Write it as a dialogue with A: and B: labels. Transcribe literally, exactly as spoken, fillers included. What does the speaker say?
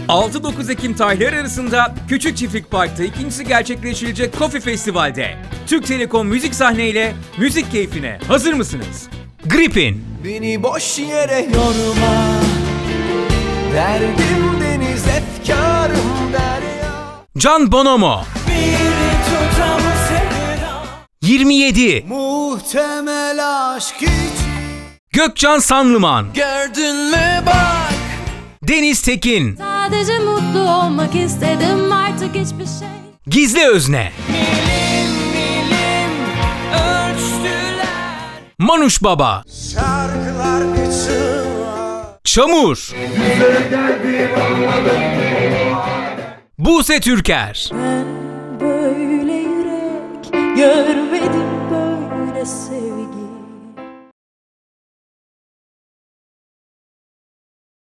A: altı dokuz Ekim tarihleri arasında Küçük Çiftlik Park'ta ikincisi gerçekleşilecek Coffee Festival'de Türk Telekom müzik sahneyle müzik keyfine hazır mısınız? Gripin,
B: Beni boş yere yorma, derdim deniz efkarım derya.
A: Can Bonomo,
B: Bir tutam sevda,
A: yirmi yedi,
B: muhtemel aşk hiç.
A: Gökcan Sanlıman,
B: Gördün mü bak,
A: Deniz Tekin,
C: Sadece mutlu olmak istedim, artık hiçbir şey.
A: Gizli Özne,
B: milim milim ölçtüler.
A: Manuş Baba,
B: Şarkılar için
A: Çamur, Buse Türker,
C: Ben böyle yürek görmedim böylesi.